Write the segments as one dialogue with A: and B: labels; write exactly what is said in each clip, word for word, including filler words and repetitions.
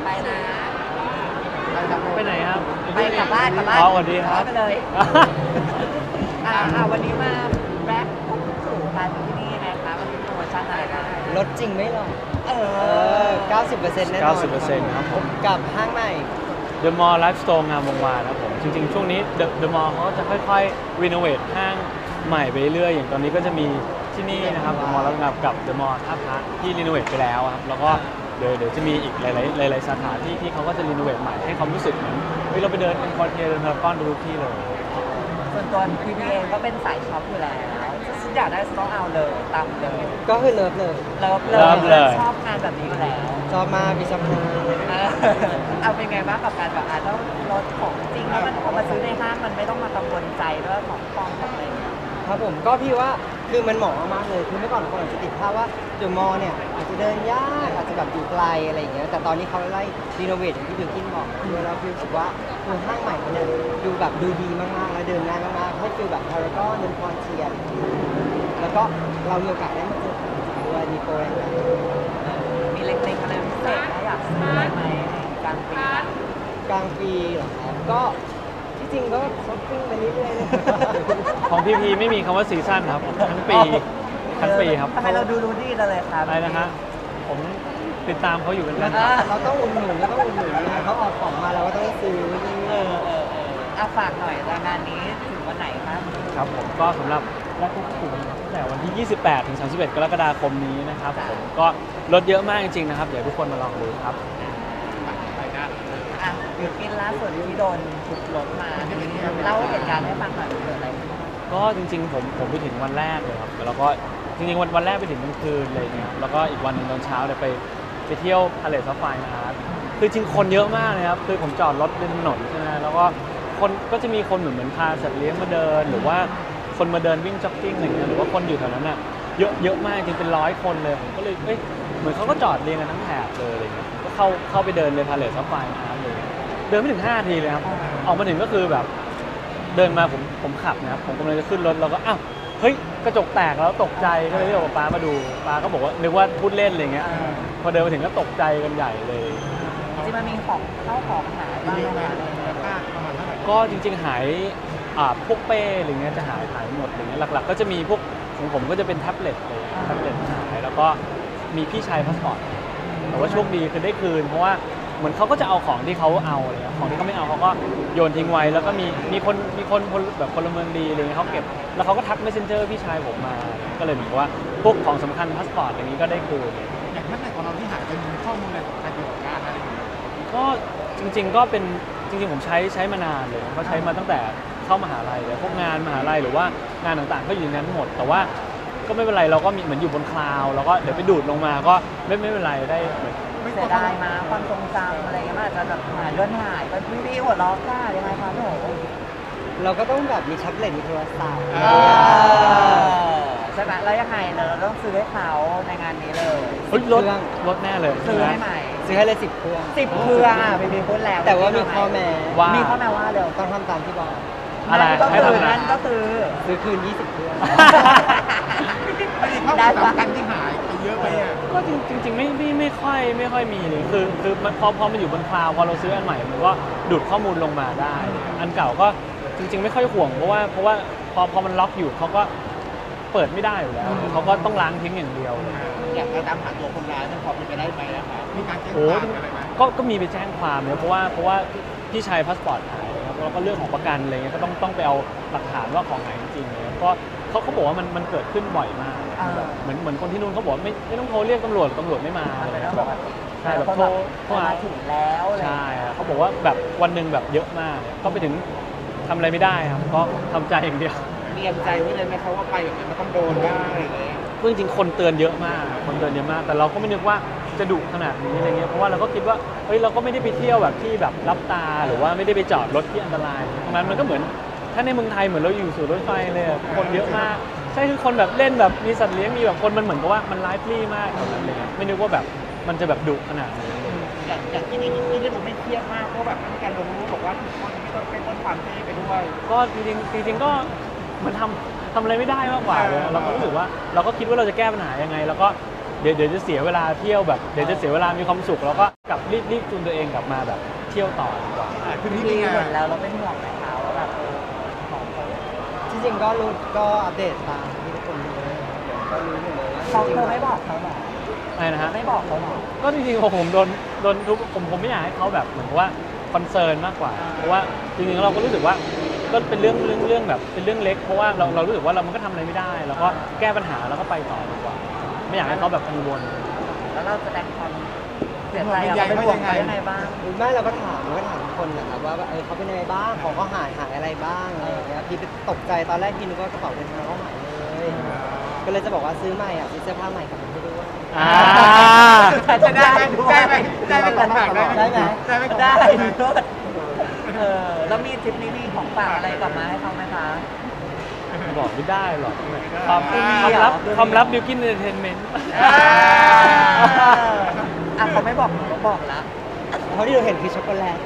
A: ไปนะ
B: ไปไหนครับ
A: ไปกลับบ้านกลับบ้าน
B: อ๋อสวัสดีครับ
A: ไปเลยอ่าอ่าวันนี้มาแร็ปสู่กันที่นี่ไงคะมันเป็นโปรโมชั่นอะไรบ้าง
C: ลดจริงไม่หรอก
A: เออ
C: เก้าสิบเปอร์เซ็นต์ แน่นอน
B: เก้าสิบเปอร์เซ็นต์ ครับผม
C: กับห้างใหม่
B: The Mall Life Store งามวงวานครับผมจริงๆช่วงนี้ The The Mall เขาจะค่อยๆรีโนเวทห้างใหม่ไปเรื่อยอย่างตอนนี้ก็จะมีที่นี่นะครับ The Mall แล้วกับ The Mall ท่าพระที่รีโนเวทไปแล้วครับแล้วก็เดี๋ยวเดี๋ยวจะมีอีกหลายๆหลายๆสาขาที่ที่เขาก็จะรีโนเวทใหม่ให้ความรู้สึกเหมือนเฮ้ยเราไปเดินเป็นคอนเทนเดินพารากอนดูทุกที่เลย
A: ส่วนตัวพีพีเองก็เป็นสายช็อปอยู่แล้วฉันอยากได้ต้องเอาเลยตามเลย
C: ก็คือเลิฟเลย
A: เลิฟเล
B: เลิฟเลย ย
A: ชอบงานแบบนี้อยู่แล้ว
C: ชอบมากพี่ชอบมาก
A: เออเอาเป็นไงบ้างกับการแบบอาจจะต้องลดของจริงแล้วมันพอมาซื้อในห้างมันไม่ต้องมากังวลใจด้วยของปลอมของอะไรอย่างเงี้ย
C: ครับผมก็พี่ว่าคือมันเหมาะมากๆเลยคือเมื่อก่อนคนอาจจะติดภาพว่าเดอะมอลล์เนี่ยอาจจะเดินยากอาจจะแบบอยู่ไกลอะไรอย่างเงี้ยแต่ตอนนี้เขาไล่รีโนเวทอย่างที่บิวกินบอกคือเราฟิลรู้สึกว่าคือห้างใหม่เขาเนี่ยดูแบบดูดีมากๆแล้วเดินง่ายมากๆให้ฟิลแบบพารากอนเดินคอนเทียร์แล้วก็เรามีโอกาสได้มาเจอของจริงด้วยมีโปรแรงกัน
A: มีเล็กๆอะไรพิเศษนะอยากซื้ออะไรไหมกลางปี
C: กลางปีเหรอครับก็ที่จริงก็ช้อปปิ้งไปเรื่อยๆนะครับ
B: ของพีพีไม่มีคำว่าซีซั่นครับทั้งปีทั้งปีครับ
A: ทำไมเราดูรู้ดีจังเลยครับ
B: อะไรนะฮะผมติดตามเขาอยู่เป็นประ
A: อ่า
B: จำ
C: เราต้องอุดหนุนเราต้องอุดหนุนนะเขาออกของมาเราก็ต้องซื้อ
A: เออเออเอออ่ะฝากหน่อยรายงานนี้ถึงวันไหนครับ
B: ครับผมก็สำหรับแรกทุกกลุ่มตั้งแต่วันที่ ยี่สิบแปด ถึง สามสิบเอ็ด กรกฎาคมนี้นะครับผมก็ลดเยอะมากจริงๆนะครับเดี๋ยวทุกคนมาลองดูครับ
A: อ่ะอยู่กินล่าสุดที่โดนถูกรถมาเล่าเหตุการณ์ให้ฟังหน่อยเกิดอะไรขึ้น
B: ก็จริงๆผมผมไปถึงวันแรกเลยครับแล้วก็จริงๆวันวันแรกไปถึงกลางคืนเลยเนี่ยครับแล้วก็อีกวันหนึงตอนเช้าเนี่ยไปไปเที่ยวทะเลซัฟไฟนะครับคือจริงคนเยอะมากเลยครับคือผมจอดรถบนถนนใช่ไหมแล้วก็คนก็จะมีคนเหมือนเหมือนพาสัตว์เลี้ยงมาเดิน หรือว่าคนมาเดินวิ่งจ็อกกิ้งอะไรเงี้ยหรือว่าคนอยู่แถวนั้นอ่ะเยอะเยอะมากจริงเป็นร้อยคนเลยผมก็เลยเอ้ยเหมือนเขาก็จอดเรียงกันทั้งแถบเลยอะไรเงี้ยก็เข้าเข้าไปเดินเลยทะเลซัฟไฟนะครับเลยเดินไม่ถึงห้านาทีเลยครับออกมาถึงก็คือแบบ เดินมาผมผมขับนะครับผมกำลังจะขึ้นรถแล้วก็อ้าวเฮ้ยกระจกแตกแล้วตกใจก็เลยเรียกว่าป้ามาดูป้าก็บอกว่านึกว่าพูดเล่นอะไรเงี้ยพอเดินมาถึงก็ตกใจกันใหญ่เลย
A: จริงๆมันมีของเข้าของหายบ้างไหม
B: ก็จริงๆหายอ่าพวกเป้อะไรเงี้ยจะหายหายหมดอะไรเงี้ยหลักๆ ก็จะมีพวกของผมก็จะเป็นแท็บเล็ตเลยแท็บเล็ตหายแล้วก็มีพี่ชายพาสปอร์ตแต่ว่าโชคดีคือได้คืนเพราะว่าเหมือนเขาก็จะเอาของที่เขาเอาอะไรเงี้ยของที่เขาไม่เอาเขาก็โยนทิ้งไว้แล้วก็มีมีคนมีคนพลแบบพลเมืองดีอะไรเงี้ยเขาเก็บแล้วเขาก็ทัก messenger พี่ชายผมมาก็เลยเหมือนกับว่าพวกของสำคัญพาสปอร์ตอย่างนี้ก็ได้คืน
D: อย่างนั้นในของเราที่หายเป็นข้อมูลอะไรสำคัญเกี่ยวกับการอะไรอย่างเงี้ย
B: ก็จริงๆก็เป็นจริงๆผมใช้ใช้มานานเลยก็ใช้มาตั้งแต่เข้ามหาลัยเลยพวกงานมหาลัยหรือว่างานต่างๆก็อยู่ในนั้นหมด แต่ว่าก็ไม่เป็นไรเราก็มีเหมือนอยู่บนคลาวด์แล้วก็เดี๋ยวไปดูดลงมาก็ไม่ไม่เป็นไรได้เหมือน
A: เสียดายมาความทรงจำอะไรเงี้ยมันอาจจะแบบหายเลื่อนหายไปพี่พี่หัวล้อค่ะยังไงคะพี่โห
C: เราก็ต้องแบบมีแท็บเล็ตมีโทรศัพท์
A: เออใช่ไหมแล้วยังไงเราต้องซื้อให้เขาในงานนี้เลย
B: เฮ้ยลดลดแน่เลย
A: ซื้อให้ใหม่
C: ซื้อให้เลยสิบเครื่อง
A: สิบเครื่องอ่ะพี่พี่พูดแล้ว
C: แต่ว่ามีข้อแม้
B: ว่า
A: มีข้อแม้ว่าเร็ว
C: ต้องทำตามที่บอก
B: อะไร
A: นั่นก็
B: ให้
A: คือ
B: ทำอะไร
A: นั่นก็คือ
C: ซื้อคืนยี่สิบเครื่อง
D: ไม่ได้ข้อมูลสำคัญที่หายไปเยอะไปอ่ะ
B: ก็จริงจริงๆไม่ไม่ไม่ค่อยไม่ค่อยมีเลยคือคือมันพอพอมันอยู่บนคลาวด์พอเราซื้ออันใหม่มันก็ดูดข้อมูลลงมาได้ อันเก่าก็จริง ๆ ไม่ค่อยห่วงเพราะว่าเพราะว่าพอพอมันล็อกอยู่เขาก็เปิดไม่ได้อยู่แล้วเขาก็ต้องล้างทิ้งอย่างเดียวเลย
D: อยากจะตามหาตัวคนร้ายมันพอเป็นไปได้ไหมครับมีการแจ้ง
B: โอ้
D: ความอะไรไหม
B: ก็ก็มีไปแจ้งความเนี่ยเพราะว่าเพราะว่าพี่ชายพาสปอร์ตหายครับแล้วก็เรื่องของประกันอะไรเงี้ยก็ต้องต้องไปเอาหลักฐานว่าของหายจริงๆเลยก็เขาเขาบอกว่ามันมันเกิดขึ้นบ่อยมากแบบเหมือนเหมือนคนที่นู่นเขาบอกว่าไม่ไม่ต้องโทรเรียกตำรวจตำรวจไม่มาอะไร
A: เป็น
B: เงี้
A: เรื่อย ง
B: แบ
A: ป
B: บ
A: กติ
B: ใช่แบบโทรโทรหา
A: ถึงแล้วอะไร
B: ใช่ครับเขาบอกว่าแบบวันหนึ่งแบบเยอะมากก็ไปถึงทำอะไรไม่ได้ครับก็ทำใจอย่างเดียว
D: เตรียมใจไว้เลยไหมครับว่าไปแบบนี้มันต้องโดนบ้างอะไรอย่างเงี้ย
B: จริงๆคนเตือนเยอะมากคนเตือนเยอะมากแต่เราก็ไม่นึกว่าจะดุขนาดนี้อะไรเงี้ยเพราะว่าเราก็คิดว่าเฮ้ยเราก็ไม่ได้ไปเที่ยวแบบที่แบบรับตาหรือว่าไม่ได้ไปจอดรถที่อันตรายตรงนั้นมันก็เหมือนถ้าในเมืองไทยเหมือนเราอยู่สู่รถไฟเลยอะคนเยอะมากใช่คือคนแบบเล่นแบบมีสัตว์เลี้ยงมีแบบคนมันเหมือนกับว่ามันไลฟ์ลี่มากตรงนั้นเลยไม่นึกว่าแบบมันจะแบบดุขนาดนี้
D: อย่างอย่างที่นี่ที่ได้ดูไม่เครียดมากเพราะแบบมีการลงรูปบอกว่าทุกคนที่ต้องเป็นต้นความเท่ไปด้วย
B: ก็จริงๆจริงๆก็เหมือนทำทำอะไรไม่ได้มากกว่าเลยเราก็รู้สึกว่าเราก็คิดว่าเราจะแก้ปัญหายังไง แล้วก็เดี๋ยวเดี๋ยวจะเสียเวลาเที่ยวแบบเดี๋ยวจะเสียเวลามีความสุขแล้วก็กลับรีบรีบจูนตัวเองกลับมาแบบเที่ยวต่อดีกว่า
D: อ่าคือ
A: พี่
D: นี่
A: พี
D: เป็นไง
A: เห็นแล้วเราเป็นห่วงไหมคะว่าแบบเออของเขา
C: จริงๆก็รู้ก็อัปเดตตามที่ทุกคนรู้เลยก็รู้อยู่เลยว่า
A: เขาเธอไม่บอกเขาหรอ
B: อะไรนะฮะ
A: ไม่บอกเขาหรอ
B: ก็จริงๆผมโดนโดนทุกผมผมไม่อยากให้เขาแบบเหมือนกับว่าคอนเซิร์นมากกว่าเพราะว่าจริงๆเราก็รู้สึกว่าก็เป็นเรื่องเรื่องเรื่องแบบเป็นเรื่องเล็กเพราะว่าเราเรารู้สึกว่าเรามันก็ทำอะไรไม่ได้แล้วก็แก้ปัญหาแล้วก็ไปต่อดีกว่า ไม่อยากให้เขาแบบกังวล
A: แล้วเราแสดงความเสียใจอะเป็นห่วงเขายังไงบ้าง
C: ไม่เราก็ถามเราก็ถามทุกคนแหละครับว่าเออเขาเป็นยังไงบ้างของเขาหายหายอะไรบ้างอะไรอย่างเงี้ยพี่ตกใจตอนแรกพี่นึกว่ากระเป๋าเดินทางเขาหายเลยก็เลยจะบอกว่าซื้อใหม่อ่ะซื้อเสื้อผ้าใหม่กลับมาให้ด้วย
B: อ่า
D: จะได้ไหมได้ไหมได้ไหมของฝากได้ไหม
C: ได้ไหม
D: ได้ไหมของ
A: ได้
D: ฝากได้ไหม
A: เลิศเออแล้วมีทริปนี้มีของฝากอะไรกลับมาให้เขาไหมคะ
B: บอกไม่ได้หรอกค
D: ไม่
B: วาม
D: มี
B: ความลับ
A: เหรอ
B: ความลับบิวกินเอนเตอร์เทนเมนต์
A: อ่าอ่ะเขาไม่บอกหนูก็บอกแล้ว
C: เขาที่เราเห็นคือช็อกโกแลต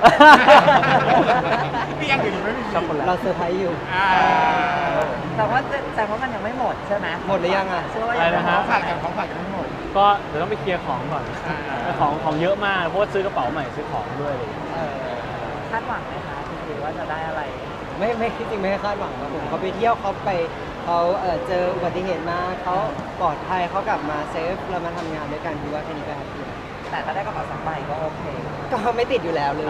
D: พี่ยังอยู่ไม่มี
B: ช็อกโกแลต
C: เราเซอร์ไพรส์อยู่
D: อ่า
A: แต่ว่าแต่ว่ามันยังไม่หมดใช่ไหม
C: หมดหรือยังอ่ะ
A: เชื่อว่ายังไม่
B: อะไรนะ
A: หม
B: ฮะ
A: ด
D: ของฝากกันของฝากกันทั้งหมด
B: ก็เดี๋ยวต้องไปเคลียร์ของก่อน
D: อ่า
B: ของของเยอะมากเพราะว่าซื้อกระเป๋าใหม่ซื้อของด้วยอะไรอย่างเงี้ย
C: เออ
A: คาดหวังไหมคะจริงๆว่าจะได้อะไร
C: ไม่ไม่คิดจริงไม่คาดหวังครับผมเขาไปเที่ยวเขาไปเขาเออเจออุบัติเหตุมาเขาปลอดภัยเขากลับมาเซฟเรามาทำงานด้วยกันพี่ว่าแค่นี้ก็แฮปปี้แล้ว
A: แต่ถ้าได้กระเป๋าสองใบก็โอเค
C: ก็ไม่ติดอยู่แล้วเลย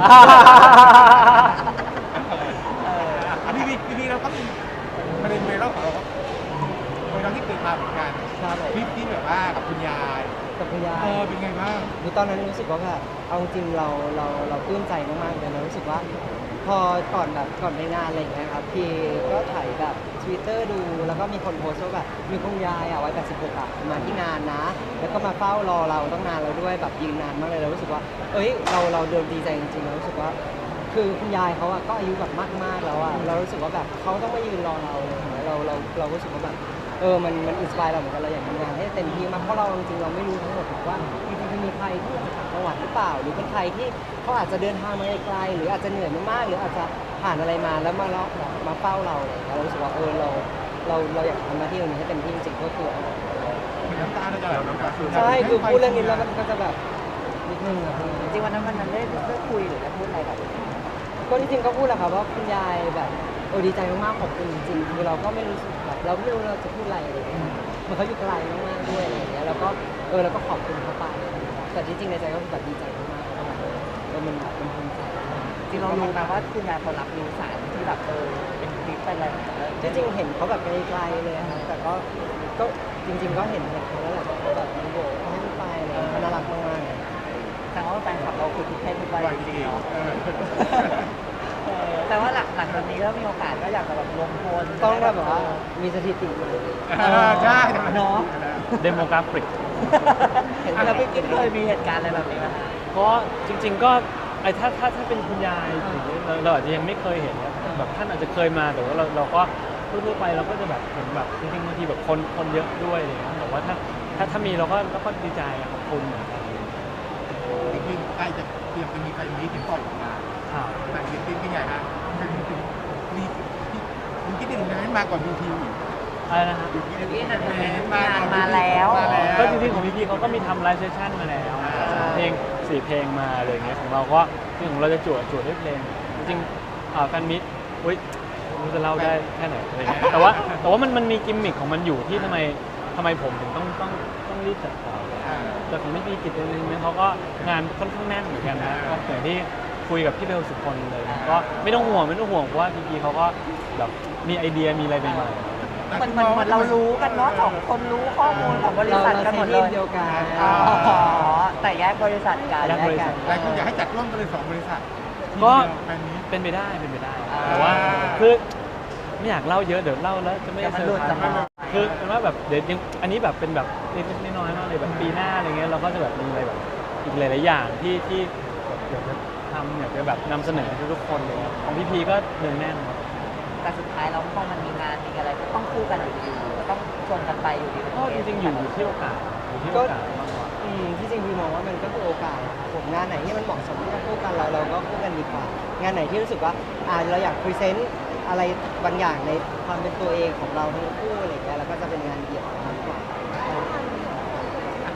A: เออ
D: อ่ะพี่พี่พี่เราก็มีประเด็นเวรัลของเราก็เวรัลที่เกิดมาเหมือนกัน
C: ครับผม
D: คลิปที่แบบว่ากับคุณยาย
C: กับคุณยาย
D: เออเป็นไงบ้าง
C: คือตอนนั้นรู้สึกว่าแบบเอาจริงเราเราเราปลื้มใจมากๆเลยเรารู้สึกว่า พอก่อนแบบก่อนไปงานอะไรอย่างเงี้ยครับพี่ก็ถ่ายแบบทวิตเตอร์ดูแล้วก็มีคนโพสต์ว่าแบบมีคุณยายอ่ะวัยแปดสิบหกอ่ะมาที่งานนะ แล้วก็มาเฝ้ารอเราตั้งนานแล้วด้วยแบบยืนนานมากเลยเรารู้สึกว่า เอ้ยเราเราเดินดีใจจริงๆเรารู้สึกว่า คือคุณยายเขาอะก็อายุแบบมากๆแล้วอะเรารู้สึกว่าแบบเขาต้องมายืนรอเราเลยเราเราเรารู้สึกว่าแบบเออมันมันอินสปายเราเหมือนกันเราอยากทำงานให้เต็มที่มากเพราะเราจริงๆเราไม่รู้ทั้งหมดหรอกว่าจริงๆจะมีใครที่มาจากจังหวัดหรือเปล่า หรือเป็นใครที่เขาอาจจะเดินทางมาไกลๆหรืออาจจะเหนื่อยมากๆหรืออาจจะผ่านอะไรมาแล้วมาเลาะมาเฝ้าเราเลยเรารู้สึกว่าเออเราเราเราอยากทำหน้าที่ตรงนี้ให้เต็มที่จริงๆก็คือ
D: น้ำตาเราจะไหลน้ำตา
C: ใช่คือพูดเรื่องนี้แล้วมันก็จะแบบนิดนึงอะ
A: จริงๆวันนั้นมันได้ได้คุยหรือได้พูดอะไรกับ
C: ก็จริงๆก็พูดแหละครับว่าคุณยายแบบเออดีใจมากๆขอบคุณจริงๆคือเราก็ไม่รู้สึกแบบเราไม่รู้เราจะพูดอะไรอะไรอย่างเงี้ยเหมันเขาอยู่ไกลมากๆด้วยอะไรอย่างเงี้ยแล้วก็เออเราก็ขอบคุณเขาไปแต่ที่จริงในใจก็คือแบบดีใจมากๆแล้วก็แบบเออมันแบบมันภูมิใจ
A: จริงเรารู้ไหมว่าคุณยายเขารับรู้สารที่แบบเออเป็นคลิปเป็นอะไรอย่างเงี้ย
C: ที่จริงเห็นเขาแบบไกลๆเลยครับแต่ก็ก็จริง ๆ ก็เห็นเห็นเขาแล้วแหละว่าเขาแบบมีโบกเขาให้ไปอะไรอย่างเงี้ยเขาน่ารักมากๆเลย
A: แต่ว่าแฟนคลับเราคือทุกเพศทุกวัย
D: ไหว
A: จ
D: จ
A: ริ
D: ริ
A: ง
D: ง
A: ๆเนาะ
D: เออ
A: เออแต่ว่าหลังหลังจากนี้ถ้ามีโอกาสก็อยากจะแบบรวมพล
C: ต้องแบบว่ามีสถิติใหม่
D: เออใช่
A: เนาะ
B: เดโมกราฟิก
C: เห็น
A: แล้วพี่กิ๊ฟเคยมีเหตุการณ์อะไรแบบนี้ไหมคะ
B: เพราะจริง ๆ ก็ไอ้ถ้าถ้าถ้าเป็นคุณยายอย่างนี้เราเราอาจจะยังไม่เคยเห็นนะแบบท่านอาจจะเคยมาแต่ว่าเราเราก็ทั่วๆไปเราก็จะแบบเห็นแบบจริงๆบางทีแบบคนคนเยอะด้วยอะไรอย่างเลยแต่ว่าถ้าถ้าถ้ามีเราก็เราก็ดีใจอะขอบคุณเหมือนกัน
D: คือใกล้จะเตรียมจะมีใครมีถึงปล่อยออกมา
B: ครับ
D: แต่จริงๆเป็นไงฮะมีคุณคิดถึงนั้นมาก่อนดูทีวี
B: อะไรนะฮะ
A: พี่นันงานมาแล้ว
B: ก็จริงๆของพี่พีเขาก็มีทำไลฟ์เซสชั่นมาแล้วเพลงสี่เพลงมาอะไรอย่างเงี้ยของเราก็ที่ของเราจะจวดจวดด้วยเพลง จริงๆอ่าแฟนมิตรอุ้ยไม่รู้จะเล่าได้แค่ไหนอะไรเงี้ยแต่ว่าแต่ว่ามันมันมีกิมมิคของมันอยู่ที่ทำไมทำไมผมถึงต้องต้องต้องรีบจัดต่อแต่ของพี่พีกิจเองเนี่ยเขาก็งานค่อนข้างแน่นเหมือนกันนะก็อย่างที่คุยกับพี่เบลสุคนเลยก็ไม่ต้องห่วงไม่ต้องห่วงเพราะว่าพีพีเขาก็แบบมีไอเดียมีอะไรใหม่ๆ
A: มันมันมันเรารู้กันเนาะสองคนรู้ข้อมูลของบริษัทกันหมดเลย
C: เดียวกัน
A: อ๋อแต่แยกบริษัทกัน
B: แยกบริษัท
D: หลายคนอยากให้จัดร่วมกันเลยสองบริษัท
B: ก็
D: แฟนนี้
B: เป็นไปได้เป็นไปได้
A: อ่า
B: แต่ว่าคือไม่อยากเล่าเยอะเดี๋ยวเล่าแล้วจะไม่
A: เดี๋ยวมัน
B: เซอ
A: หลุ
B: ร์
A: ด
B: ไพร
A: จาก
B: ส์
A: เรา
B: คือเป็นว่าแบบเดี๋ยวยังอันนี้แบบเป็นแบบเล็กๆน้อยๆมากเลยแบบปีหน้าอะไรเงี้ยเราก็จะแบบมีอะไรแบบอีกหลายๆอย่างที่ที่แบบอยากจะทำอยากจะแบบนำเสนอให้ทุกคนเลยครับของพี่พีก็เนืองแน่นครับ
A: แต่สุดท้ายเราพอมันมีงานมีอะไรก็ต้องคู่กันอยู่ดีก็ต้องชวนกันไปอยู่ดี
B: ก็จริงๆอยู่อยู่ที่โอกาสอยู่ที่โอกาสมากกว่า
C: อืมที่จริงพี่มองว่ามันก็คือโอกาสนะครับผมงานไหนที่มันเหมาะสมที่จะคู่กันเราเราก็คู่กันดีกว่า งานไหนที่รู้สึกว่าอ่าเราอยากพรีเซนต์อะไรบางอย่างในความเป็นตัวเองของเราทั้งคู่อะไรอย่างเงี้ยแล้วก็จะเป็นงานเดี่ยวมากกว่า
D: พ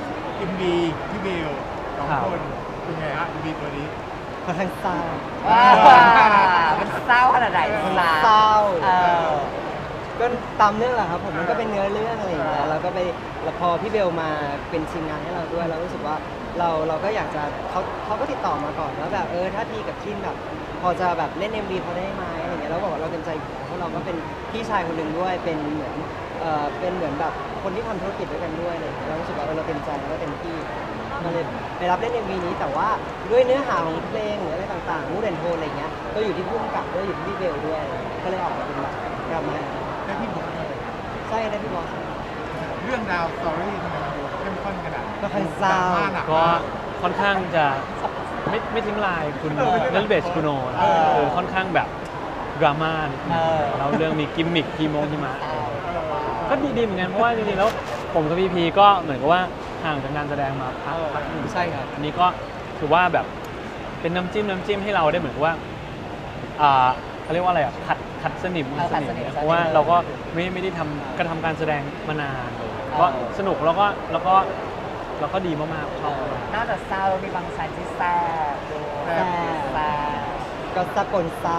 D: อ็มวีพี่เบลสองคนเป็นไงฮะเอ็มวีตัวนี้
C: ค่อนข้างเศร้า
A: ว้ามันเศร้าขนาดไหน
C: เศร้า
A: เออ
C: ก็ตามเรื่องแหละครับผมมันก็เป็นเนื้อเรื่องอะไรอย่างเงี้ยเราก็ไปแล้วพอพี่เบลมาเป็นทีมงานให้เราด้วยเรารู้สึกว่าเราเราก็อยากจะเขาเขาก็ติดต่อมาก่อนว่าแบบเออถ้าพี่กับคินแบบพอจะแบบเล่น เอ็ม วี พอได้ไหมอะไรเงี้ยเราบอกว่าเราเต็มใจอยู่แล้วเพราะเราก็เป็นพี่ชายคนหนึ่งด้วยเป็นเหมือนเออเป็นเหมือนแบบคนที่ทำธุรกิจด้วยกันด้วยอะไรเลยเรารู้สึกว่าเออเราเต็มใจแล้วก็เต็มที่มาเลยไปรับเล่น เอ็ม วี นี้แต่ว่าด้วยเนื้อหาของเพลงหรืออะไรต่างๆมูดแอนโทนอะไรเงี้ยก็อยู่ที่ผู้กำกับด้วยอยู่ที่พี่เบลด้วยก็เลยออกมาเป็นแบบดราม่า
D: ได้พี่บอกเลย
C: ใช่ได้พี่บอส
D: เรื่องราวสตอรี่ทำไมมันดูเข้มข้นขนาด
C: ก็ค่อนเศร้า
D: ดมหนั
B: ก็ค่อนข้างจะไม่ไม่ทิ้งลายคุณนัลเบสกุโนนะคือค่อนข้างแบบดราม่านิดนึง
A: เออ
B: แล้วเรื่องมีกิมมิคทีโมงทีมะ
A: เออ
B: ก็ดีๆเหมือนกันเพราะว่าจริงๆแล้วผมกับพีพีก็เหมือนกับว่าห่างจากงานแสดงมาพักพักหนึ่ง
C: ใช่ครับ
B: อันนี้ก็ถือว่าแบบเป็นน้ำจิ้มน้ำจิ้มให้เราได้เหมือนกับว่าอ่าเขาเรียกว่าอะไรอ่ะขัดขัดสนิม
A: เออขัดสนิม
B: เนี่ยเพราะว่าเราก็ไม่ไม่ได้ทำกระทำการแสดงมานานเลยก็สนุกแล้วก็แล้วก็แล้วก็ดีมากๆชอบมาก
A: นอกจากเศร้ามีบางสายที่แซ่บด้วย
C: แซ่บ
A: แซ่บ
C: ก็สะกลซาว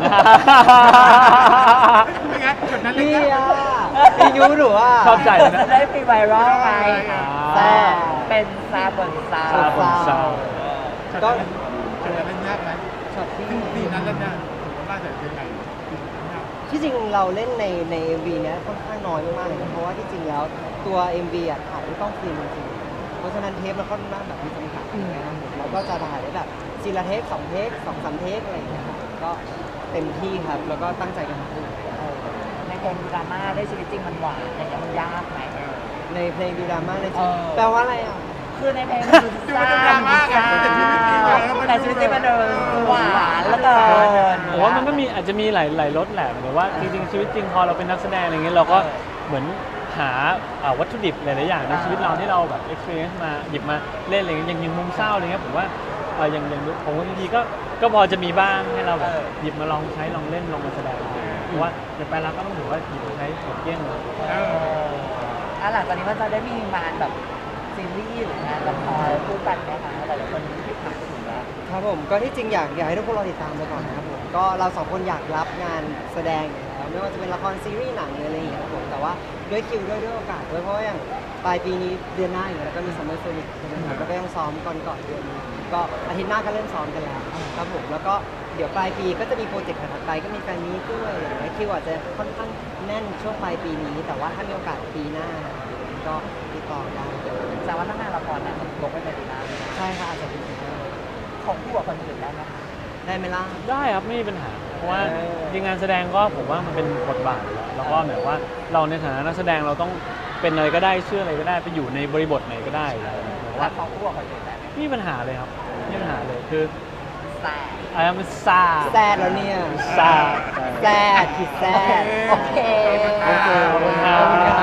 D: ไม่งั้นจุดนั้นเลย
C: พี่
D: นะ
C: อ่ะพี่ยูหนูอ่ะ
B: ชอบใจเลยนะ
A: จะได้มีไวรัลไง
B: อ่า
A: แซ่บเป็นซาบนซา
B: ซาบนซา
C: ก็
D: จุดนั้นเล่นยากไหม
C: ช็อตที่
D: ซึ่งซีนนั้นเล่นยากผมว่าจะยังไง
C: ที่จริงเราเล่นในใน เอ็ม วี เนี้ยค่อนข้างน้อยมากๆเลยนะเพราะว่าที่จริงแล้วตัว เอ็ม วี อ่ะถ่ายด้วยกล้องฟิล์มจริงๆเพราะฉะนั้นเทปเราค่อนข้างแบบมีจำกัดนะครับผมเราก็จะถ่ายได้แบบซีละเทปสองเทปสองสามเทปอะไรอย่างเงี้ยครับก็เต็มที่ครับแล้วก็ตั้งใจกันทั้งคู่
A: ในเพลงดราม่าได้ชีวิตจริงมันหวานอย่างเงี้ยมันยากไหม
C: ในเพลงดูดราม่าในชีวิต
A: เออ
C: แปลว่าอะไรอ่ะ
A: คือในเพลงมันคือเศร้า
D: ดราม่าไงแต่ชีวิตจริงอะ
A: แต่ชีวิตจริงมันเดินหวานแล้วเกิน
B: ผมว่ามันก็มีอาจจะมีหลายหลายรสแหละแต่ว่าจริงๆชีวิตจริงพอเราเป็นนักแสดงอะไรเงี้ยเราก็เหมือนหาอ่าวัตถุดิบหลายๆอย่างในชีวิตเราที่เราแบบ experience มาหยิบมาเล่นอะไรเงี้ยอย่างอย่างมุมเศร้าอะไรเงี้ยผมว่าเอ่ออย่างอย่างผมว่าทีก็ก็พอจะมีบ้างให้เราแบบหยิบมาลองใช้ลองเล่นลองมาแสดงเพราะว่าเดี๋ยวไปแล้วก็ต้องถือว่าหยิบมาใช้หมดเกลี้ยงเลย
A: เอออ่ะหลังจากนี้มันจะได้มีงานแบบซีรีส์หรืองานละครคู่กันไหมคะแต่ละคนที่ผ่านไปถึงแล้ว
C: ครับผมก็ที่จริงอยากอยากให้ทุกคนรอติดตามไปก่อนนะครับผมก็เราสองคนอยากรับงานแสดงอยู่แล้วไม่ว่าจะเป็นละครซีรีส์หนังหรืออะไรอย่างเงี้ยครับผมแต่ว่าด้วยคิวด้วยด้วยโอกาสด้วยเพราะว่าอย่างปลายปีนี้เดือนหน้าอยู่แล้วก็มีซัมเมอร์โซนิกใช่ไหมครับแล้วก็ต้องซ้อมก่อนก่อนเดือนนี้ก็อาทิตย์หน้าก็เริ่มซ้อมกันแล้วครับผมแล้วก็เดี๋ยวปลายปีก็จะมีโปรเจกต์ถัดไปก็มีแฟนมีตด้วยอะไรอย่างเงี้ยคิวอาจจะค่อนข้างแน่นช่วงปลายปีนี้ แต่ว่าถ้ามีโอกาสปีหน้าก็ติดต่อได้
A: แต่ว่าถ้างานละครเนี่ยลงไปในปีหน้า
C: ใช่ค่ะอาจจะเป็นไปได้
A: ของคู่กับคนอื่นได้ไหมคะ
C: ได้ไหมล่ะ
B: ได้ครับไม่มีปัญหา เพราะว่า
C: เออ
B: จริงงานแสดงก็ผมว่ามันเป็นบทบาทอยู่แล้วแล้วก็หมายว่าเราในฐานะนักแสดงเราต้องเป็นอะไรก็ได้เชื่ออะไรก็ได้ไปอยู่ในบริบทไหนก็ได้อยู่แล้วหมาย
A: รั
B: ว่า
A: กของคู่กับคนอื่นได้ไหม
B: ไม่มีปัญหาเลยครับไม่มีปัญหาเลยคือ
A: แต่
B: อะไรมันซา
C: แซดแล้วเนี่ย
B: ซา
C: แซดขีดแซด
A: โอเค
C: โอเค
B: ขอบคุณครับ